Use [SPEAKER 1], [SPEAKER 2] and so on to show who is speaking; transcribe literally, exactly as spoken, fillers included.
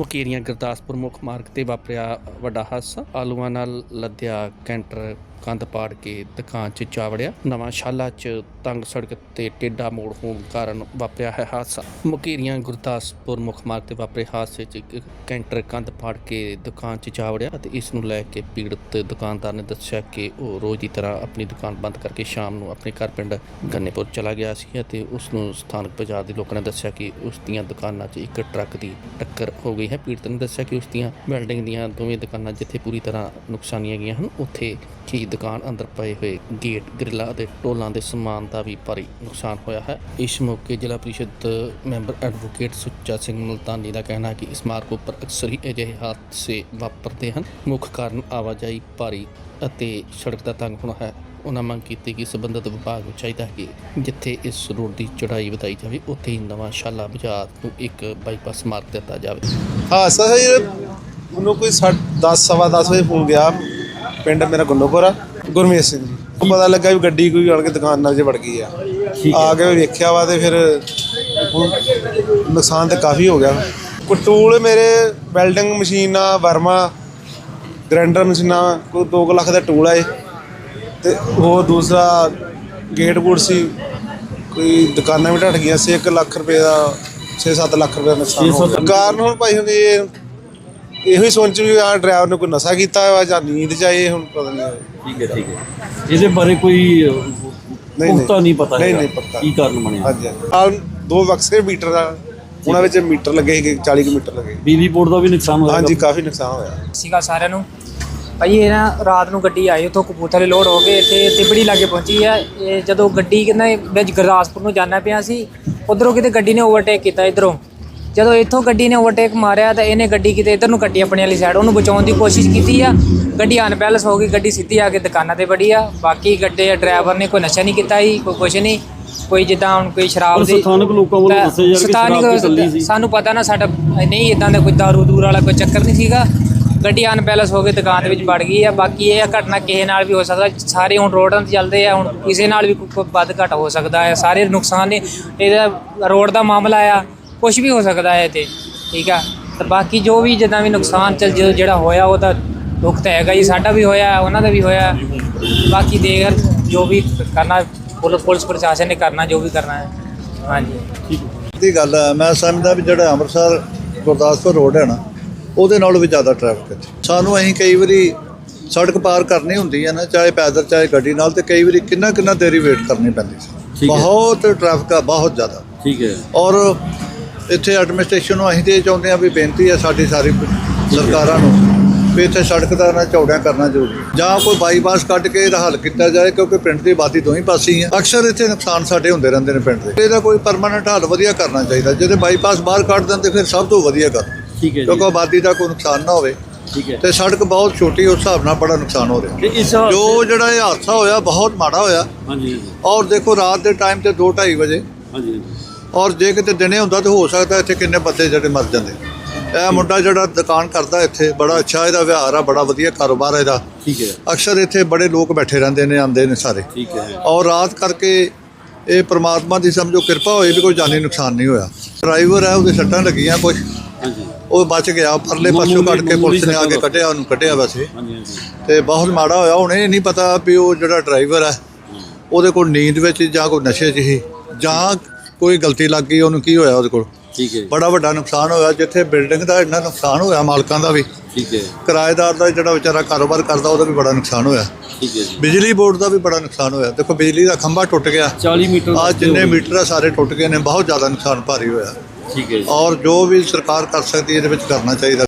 [SPEAKER 1] ਮੁਕੇਰੀਆਂ ਗੁਰਦਾਸਪੁਰ ਮੁੱਖ ਮਾਰਗ ਤੇ ਵਾਪਰਿਆ ਵੱਡਾ ਹਾਦਸਾ। ਆਲੂਆਂ ਨਾਲ ਲੱਦਿਆ ਕੈਂਟਰ ਕੰਧ ਪਾੜ ਕੇ ਦੁਕਾਨ 'ਚ ਜਾ ਵੜਿਆ। ਨਵਾਂ ਸ਼ਾਲਾ 'ਚ ਤੰਗ ਸੜਕ ਤੇ ਟੇਢਾ ਮੋੜ ਹੋਣ ਕਾਰਨ ਵਾਪਰਿਆ ਹੈ ਹਾਦਸਾ। ਮੁਕੇਰੀਆਂ ਗੁਰਦਾਸਪੁਰ ਮੁੱਖ ਮਾਰਗ ਤੇ ਵਾਪਰੇ ਹਾਦਸੇ 'ਚ ਇੱਕ ਕੈਂਟਰ ਕੰਧ ਪਾੜ ਕੇ ਦੁਕਾਨ 'ਚ ਜਾ ਵੜਿਆ ਅਤੇ ਇਸ ਨੂੰ ਲੈ ਕੇ ਪੀੜਤ ਦੁਕਾਨਦਾਰ ਨੇ ਦੱਸਿਆ ਕਿ ਉਹ ਰੋਜ਼ ਦੀ ਤਰ੍ਹਾਂ ਆਪਣੀ ਦੁਕਾਨ ਬੰਦ ਕਰਕੇ ਸ਼ਾਮ ਨੂੰ ਆਪਣੇ ਘਰ ਪਿੰਡ ਗੰਨੇਪੁਰ ਚਲਾ ਗਿਆ ਸੀ ਅਤੇ ਉਸ ਨੂੰ ਸਥਾਨਕ ਬਾਜ਼ਾਰ ਦੇ ਲੋਕਾਂ ਨੇ ਦੱਸਿਆ ਕਿ ਉਸ ਦੀਆਂ ਦੁਕਾਨਾਂ 'ਚ ਇੱਕ ਟਰੱਕ ਦੀ ਟੱਕਰ ਹੋ ਗਈ ਹੈ। ਪੀੜਤ ਨੇ ਦੱਸਿਆ ਕਿ ਉਸ ਦੀਆਂ ਬਿਲਡਿੰਗ ਦੀਆਂ ਦੋਵੇਂ ਦੁਕਾਨਾਂ ਜਿੱਥੇ ਪੂਰੀ ਤਰ੍ਹਾਂ ਨੁਕਸਾਨੀਆਂ ਗਈਆਂ ਹਨ, ਉੱਥੇ ਹੀ ਦੁਕਾਨ ਅੰਦਰ ਪਏ ਹੋਏ ਗੇਟ, ਗ੍ਰਿਲਾਂ ਅਤੇ ਟੋਲਾਂ ਦੇ ਸਮਾਨ ਦਾ ਵੀ ਭਾਰੀ ਨੁਕਸਾਨ ਹੋਇਆ ਹੈ। ਇਸ ਮੌਕੇ ਜ਼ਿਲ੍ਹਾ ਪ੍ਰੀਸ਼ਦ ਮੈਂਬਰ ਐਡਵੋਕੇਟ ਸੁੱਚਾ ਸਿੰਘ ਮੁਲਤਾਨੀ ਦਾ ਕਹਿਣਾ ਹੈ ਕਿ ਇਸ ਮਾਰਗ ਉੱਪਰ ਅਕਸਰ ਹੀ ਅਜਿਹੇ ਹਾਦਸੇ ਵਾਪਰਦੇ ਹਨ। ਮੁੱਖ ਕਾਰਨ ਆਵਾਜਾਈ ਭਾਰੀ ਅਤੇ ਸੜਕ ਦਾ ਤੰਗ ਹੋਣਾ ਹੈ। ਉਹਨਾਂ ਮੰਗ ਕੀਤੀ ਕਿ ਸੰਬੰਧਿਤ ਵਿਭਾਗ ਨੂੰ ਚਾਹੀਦਾ ਹੈ ਕਿ ਜਿੱਥੇ ਇਸ ਰੋਡ ਦੀ ਚੌੜਾਈ ਵਧਾਈ ਜਾਵੇ, ਉੱਥੇ ਹੀ ਨਵਾਂ ਸ਼ਾਲਾ ਬਾਜ਼ਾਰ ਨੂੰ ਇੱਕ ਬਾਈਪਾਸ ਮਾਰਗ ਦਿੱਤਾ ਜਾਵੇ।
[SPEAKER 2] ਹਾਦਸਾ ਸਰ ਮੈਨੂੰ ਕੋਈ ਦਸ ਸਵਾ ਦਸ ਵਜੇ ਫੋਨ ਗਿਆ। ਪਿੰਡ ਮੇਰਾ ਗੁੰਨੋਪੁਰ ਆ, ਗੁਰਮੇਸ਼ ਸਿੰਘ ਜੀ। ਪਤਾ ਲੱਗਾ ਵੀ ਗੱਡੀ ਕੋਈ ਆਣ ਕੇ ਦੁਕਾਨ ਨਾਲ 'ਚ ਵੜ ਗਈ ਆ। ਆ ਕੇ ਵੇਖਿਆ ਵਾ ਤੇ ਫਿਰ ਨੁਕਸਾਨ ਤਾਂ ਕਾਫੀ ਹੋ ਗਿਆ। ਕੋਈ ਟੂਲ ਮੇਰੇ ਵੈਲਡਿੰਗ ਮਸ਼ੀਨਾਂ, ਵਰਮਾ ਗ੍ਰੈਂਡਰ ਮਸ਼ੀਨਾਂ, ਕੋਈ ਦੋ ਕੁ ਲੱਖ ਦਾ ਟੂਲ ਆ ਤੇ ਹੋਰ ਦੂਸਰਾ ਗੇਟ ਗੂਟ ਸੀ। ਕੋਈ ਦੁਕਾਨਾਂ ਵੀ ਢੱਟ ਗਈਆਂ ਸੀ। ਇੱਕ ਲੱਖ ਰੁਪਏ ਦਾ ਛੇ ਸੱਤ ਲੱਖ ਰੁਪਏ ਦਾ ਨੁਕਸਾਨ ਹੋ ਗਿਆ। ਕਾਰਨ ਹੁਣ ਭਾਈ ਹੁਣ ਇਹ ਇਹੋ ਹੀ ਸੋਚ ਵੀ ਆ ਡਰਾਈਵਰ ਨੇ ਕੋਈ ਨਸ਼ਾ ਕੀਤਾ ਵਾ ਜਾਂ ਨੀਂਦ 'ਚ ਆਏ, ਹੁਣ ਪਤਾ ਨਹੀਂ।
[SPEAKER 3] ਠੀਕ ਹੈ ਠੀਕ ਹੈ ਇਹਦੇ ਬਾਰੇ ਕੋਈ ਪੁਖਤਾ ਨਹੀਂ ਪਤਾ
[SPEAKER 2] ਨਹੀਂ ਨਹੀਂ ਪਤਾ
[SPEAKER 3] ਕੀ ਕਾਰਨ ਬਣਿਆ।
[SPEAKER 2] ਹਾਂਜੀ ਆ ਦੋ ਬਕਸੇ ਮੀਟਰ ਦਾ, ਉਹਨਾਂ ਵਿੱਚ ਮੀਟਰ ਲੱਗੇ ਸੀਗੇ, ਚਾਲੀ ਕੁ ਮੀਟਰ ਲੱਗੇ।
[SPEAKER 3] ਬਿਜਲੀ ਬੋਰਡ ਦਾ ਵੀ ਨੁਕਸਾਨ ਹੋਇਆ?
[SPEAKER 2] ਹਾਂਜੀ ਕਾਫੀ ਨੁਕਸਾਨ ਹੋਇਆ।
[SPEAKER 4] ਸੀਗਾ ਸਾਰਿਆਂ ਨੂੰ ਭਾਈ। ਇਹ ਨਾ ਰਾਤ ਨੂੰ ਗੱਡੀ ਆਈ ਉੱਥੋਂ ਕਪੂਰਥਲੇ ਲੋਡ ਹੋ ਕੇ ਇੱਥੇ ਤਿਬੜੀ ਲਾਗੇ ਪਹੁੰਚੀ ਆ। ਇਹ ਜਦੋਂ ਗੱਡੀ ਕਹਿੰਦਾ ਵਿੱਚ ਗੁਰਦਾਸਪੁਰ ਨੂੰ ਜਾਣਾ ਪਿਆ ਸੀ, ਉੱਧਰੋਂ ਕਿਤੇ ਗੱਡੀ ਨੇ ਓਵਰਟੇਕ ਕੀਤਾ। ਇੱਧਰੋਂ ਜਦੋਂ ਇੱਥੋਂ ਗੱਡੀ ਨੇ ਓਵਰਟੇਕ ਮਾਰਿਆ ਤਾਂ ਇਹਨੇ ਗੱਡੀ ਕਿਤੇ ਇੱਧਰ ਨੂੰ ਕੱਟੀ ਆਪਣੀ ਵਾਲੀ ਸਾਈਡ। ਉਹਨੂੰ ਬਚਾਉਣ ਦੀ ਕੋਸ਼ਿਸ਼ ਕੀਤੀ ਆ, ਗੱਡੀ ਅਨਬੈਲੈਂਸ ਹੋ ਗਈ। ਗੱਡੀ ਸਿੱਧੀ ਆ ਕੇ ਦੁਕਾਨਾਂ 'ਤੇ ਵੜੀ ਆ। ਬਾਕੀ ਗੱਡੇ ਡਰਾਈਵਰ ਨੇ ਕੋਈ ਨਸ਼ਾ ਨਹੀਂ ਕੀਤਾ ਸੀ, ਕੋਈ ਕੁਛ ਨਹੀਂ। ਕੋਈ ਜਿੱਦਾਂ ਹੁਣ ਕੋਈ ਸ਼ਰਾਬ ਦੀ
[SPEAKER 3] ਸਥਾਨਕ ਲੋਕਾਂ ਵੱਲੋਂ ਦੱਸਿਆ ਜਾ ਰਿਹਾ ਕਿ ਸ਼ਰਾਬ ਚੱਲੀ ਸੀ।
[SPEAKER 4] ਸਾਨੂੰ ਪਤਾ ਨਾ, ਸਾਡਾ ਨਹੀਂ ਇੱਦਾਂ ਦਾ ਕੋਈ ਦਾਰੂ ਦੂਰ ਵਾਲਾ ਕੋਈ ਚੱਕਰ ਨਹੀਂ ਸੀਗਾ। ਗੱਡੀ ਅਨਬੈਲੈਂਸ ਹੋ ਕੇ ਦੁਕਾਨ ਦੇ ਵਿੱਚ ਵੜ ਗਈ ਆ। ਬਾਕੀ ਇਹ ਘਟਨਾ ਕਿਸੇ ਨਾਲ ਵੀ ਹੋ ਸਕਦਾ। ਸਾਰੇ ਹੁਣ ਰੋਡਾਂ 'ਤੇ ਚੱਲਦੇ ਆ, ਹੁਣ ਕਿਸੇ ਨਾਲ ਵੀ ਕੋਈ ਵੱਧ ਘੱਟ ਹੋ ਸਕਦਾ ਹੈ। ਸਾਰੇ ਨੁਕਸਾਨ ਨੇ, ਇਹਦਾ ਰੋਡ ਦਾ ਮਾਮਲਾ ਆ, ਕੁਛ ਵੀ ਹੋ ਸਕਦਾ ਹੈ ਇੱਥੇ। ਠੀਕ ਆ, ਤੇ ਬਾਕੀ ਜੋ ਵੀ ਜਿੱਦਾਂ ਵੀ ਨੁਕਸਾਨ ਚੱਲ ਜਿਹੜਾ ਹੋਇਆ ਉਹ ਤਾਂ ਦੁੱਖ ਤਾਂ ਹੈਗਾ ਜੀ। ਸਾਡਾ ਵੀ ਹੋਇਆ, ਉਹਨਾਂ ਦਾ ਵੀ ਹੋਇਆ। ਬਾਕੀ ਦੇਖ ਜੋ ਵੀ ਕਰਨਾ ਪੁਲਿਸ ਪ੍ਰਸ਼ਾਸਨ ਨੇ ਕਰਨਾ, ਜੋ ਵੀ ਕਰਨਾ ਹੈ। ਹਾਂਜੀ
[SPEAKER 5] ਠੀਕ ਦੀ ਗੱਲ ਹੈ। ਮੈਂ ਸਮਝਦਾ ਵੀ ਜਿਹੜਾ ਅੰਮ੍ਰਿਤਸਰ ਗੁਰਦਾਸਪੁਰ ਰੋਡ ਹੈ ਨਾ, ਉਹਦੇ ਨਾਲੋਂ ਵੀ ਜ਼ਿਆਦਾ ਟ੍ਰੈਫਿਕ ਹੈ। ਸਾਨੂੰ ਅਸੀਂ ਕਈ ਵਾਰੀ ਸੜਕ ਪਾਰ ਕਰਨੀ ਹੁੰਦੀ ਹੈ ਨਾ, ਚਾਹੇ ਪੈਦਲ ਚਾਹੇ ਗੱਡੀ ਨਾਲ, ਤੇ ਕਈ ਵਾਰੀ ਕਿੰਨਾ ਕਿੰਨਾ ਦੇਰੀ ਵੇਟ ਕਰਨੀ ਪੈਂਦੀ ਸੀ। ਬਹੁਤ ਟ੍ਰੈਫਿਕ ਆ, ਬਹੁਤ ਜ਼ਿਆਦਾ।
[SPEAKER 3] ਠੀਕ ਹੈ।
[SPEAKER 5] ਔਰ ਇੱਥੇ ਐਡਮਿਨਿਸਟ੍ਰੇਸ਼ਨ ਨੂੰ ਅਸੀਂ ਤਾਂ ਇਹ ਚਾਹੁੰਦੇ ਹਾਂ ਵੀ ਬੇਨਤੀ ਹੈ ਸਾਡੀ ਸਾਰੀ ਸਰਕਾਰਾਂ ਨੂੰ ਵੀ ਇੱਥੇ ਸੜਕ ਦਾ ਨਾ ਚੌੜਾ ਕਰਨਾ ਜ਼ਰੂਰੀ ਹੈ, ਜਾਂ ਕੋਈ ਬਾਈਪਾਸ ਕੱਢ ਕੇ ਇਹਦਾ ਹੱਲ ਕੀਤਾ ਜਾਏ, ਕਿਉਂਕਿ ਪਿੰਡ ਦੀ ਆਬਾਦੀ ਦੋਵੇਂ ਪਾਸੇ ਹੀ ਹੈ। ਅਕਸਰ ਇੱਥੇ ਨੁਕਸਾਨ ਸਾਡੇ ਹੁੰਦੇ ਰਹਿੰਦੇ ਨੇ ਪਿੰਡ ਦੇ। ਇਹਦਾ ਕੋਈ ਪਰਮਾਨੈਂਟ ਹੱਲ ਵਧੀਆ ਕਰਨਾ ਚਾਹੀਦਾ। ਜਦੋਂ ਬਾਈਪਾਸ ਬਾਹਰ ਕੱਢ ਦਿੰਦੇ ਫਿਰ ਸਭ ਤੋਂ ਵਧੀਆ ਕਰ।
[SPEAKER 3] ਠੀਕ ਹੈ,
[SPEAKER 5] ਕਿਉਂਕਿ ਆਬਾਦੀ ਦਾ ਕੋਈ ਨੁਕਸਾਨ ਨਾ ਹੋਵੇ।
[SPEAKER 3] ਠੀਕ ਹੈ।
[SPEAKER 5] ਤੇ ਸੜਕ ਬਹੁਤ ਛੋਟੀ, ਉਸ ਹਿਸਾਬ ਨਾਲ ਬੜਾ ਨੁਕਸਾਨ ਹੋ ਰਿਹਾ।
[SPEAKER 3] ਇਸ
[SPEAKER 5] ਜੋ ਜਿਹੜਾ ਇਹ ਹਾਦਸਾ ਹੋਇਆ ਬਹੁਤ ਮਾੜਾ ਹੋਇਆ।
[SPEAKER 3] ਹਾਂਜੀ।
[SPEAKER 5] ਔਰ ਦੇਖੋ ਰਾਤ ਦੇ ਟਾਈਮ ਤੇ ਦੋ ਢਾਈ ਵਜੇ,
[SPEAKER 3] ਹਾਂਜੀ।
[SPEAKER 5] ਔਰ ਜੇ ਕਿਤੇ ਦਿਨੇ ਹੁੰਦਾ ਤਾਂ ਹੋ ਸਕਦਾ ਇੱਥੇ ਕਿੰਨੇ ਬੰਦੇ ਜਿਹੜੇ ਮਰ ਜਾਂਦੇ। ਇਹ ਮੁੰਡਾ ਜਿਹੜਾ ਦੁਕਾਨ ਕਰਦਾ ਇੱਥੇ, ਬੜਾ ਅੱਛਾ ਇਹਦਾ ਵਿਹਾਰ ਆ, ਬੜਾ ਵਧੀਆ ਕਾਰੋਬਾਰ ਇਹਦਾ।
[SPEAKER 3] ਠੀਕ ਹੈ।
[SPEAKER 5] ਅਕਸਰ ਇੱਥੇ ਬੜੇ ਲੋਕ ਬੈਠੇ ਰਹਿੰਦੇ ਨੇ, ਆਉਂਦੇ ਨੇ ਸਾਰੇ।
[SPEAKER 3] ਠੀਕ ਹੈ।
[SPEAKER 5] ਔਰ ਰਾਤ ਕਰਕੇ ਇਹ ਪ੍ਰਮਾਤਮਾ ਦੀ ਸਮਝੋ ਕਿਰਪਾ ਹੋਈ ਵੀ ਕੋਈ ਜਾਨੀ ਨੁਕਸਾਨ ਨਹੀਂ ਹੋਇਆ। ਡਰਾਈਵਰ ਹੈ, ਉਹਦੇ ਸੱਟਾਂ ਲੱਗੀਆਂ ਕੁਛ,
[SPEAKER 3] ਹਾਂਜੀ।
[SPEAKER 5] ਉਹ ਬਚ ਗਿਆ। ਪਰਲੇ ਪਾਸੋਂ ਕੱਢ ਕੇ ਪੁਲਿਸ ਨੇ ਆ ਕੇ ਕੱਢਿਆ, ਉਹਨੂੰ ਕੱਢਿਆ ਵੈਸੇ।
[SPEAKER 3] ਹਾਂਜੀ ਹਾਂਜੀ।
[SPEAKER 5] ਤੇ ਬਹੁਤ ਮਾੜਾ ਹੋਇਆ। ਹੁਣ ਇਹ ਨਹੀਂ ਪਤਾ ਵੀ ਉਹ ਜਿਹੜਾ ਡਰਾਈਵਰ ਹੈ ਉਹਦੇ ਕੋਲ ਨੀਂਦ ਵਿੱਚ ਜਾਂ ਕੋਈ ਨਸ਼ੇ 'ਚ ਹੀ, ਜਾਂ ਕੋਈ ਗਲਤੀ ਲੱਗ ਗਈ, ਉਹਨੂੰ ਕੀ ਹੋਇਆ ਉਹਦੇ ਕੋਲ।
[SPEAKER 3] ਠੀਕ ਹੈ।
[SPEAKER 5] ਬੜਾ ਵੱਡਾ ਨੁਕਸਾਨ ਹੋਇਆ। ਜਿੱਥੇ ਬਿਲਡਿੰਗ ਦਾ ਇੰਨਾ ਨੁਕਸਾਨ ਹੋਇਆ, ਮਾਲਕਾਂ ਦਾ ਵੀ।
[SPEAKER 3] ਠੀਕ ਹੈ।
[SPEAKER 5] ਕਿਰਾਏਦਾਰ ਦਾ ਜਿਹੜਾ ਵਿਚਾਰਾ ਕਾਰੋਬਾਰ ਕਰਦਾ, ਉਹਦਾ ਵੀ ਬੜਾ ਨੁਕਸਾਨ ਹੋਇਆ।
[SPEAKER 3] ਠੀਕ ਹੈ ਜੀ।
[SPEAKER 5] ਬਿਜਲੀ ਬੋਰਡ ਦਾ ਵੀ ਬੜਾ ਨੁਕਸਾਨ ਹੋਇਆ। ਦੇਖੋ ਬਿਜਲੀ ਦਾ ਖੰਭਾ ਟੁੱਟ ਗਿਆ,
[SPEAKER 3] ਚਾਲੀ ਮੀਟਰ।
[SPEAKER 5] ਆ ਜਿੰਨੇ ਮੀਟਰ ਆ ਸਾਰੇ ਟੁੱਟ ਗਏ ਨੇ। ਬਹੁਤ ਜ਼ਿਆਦਾ ਨੁਕਸਾਨ ਭਾਰੀ ਹੋਇਆ।
[SPEAKER 3] ਠੀਕ ਹੈ।
[SPEAKER 5] ਔਰ ਜੋ ਵੀ ਸਰਕਾਰ ਕਰ ਸਕਦੀ ਇਹਦੇ ਵਿੱਚ ਕਰਨਾ ਚਾਹੀਦਾ।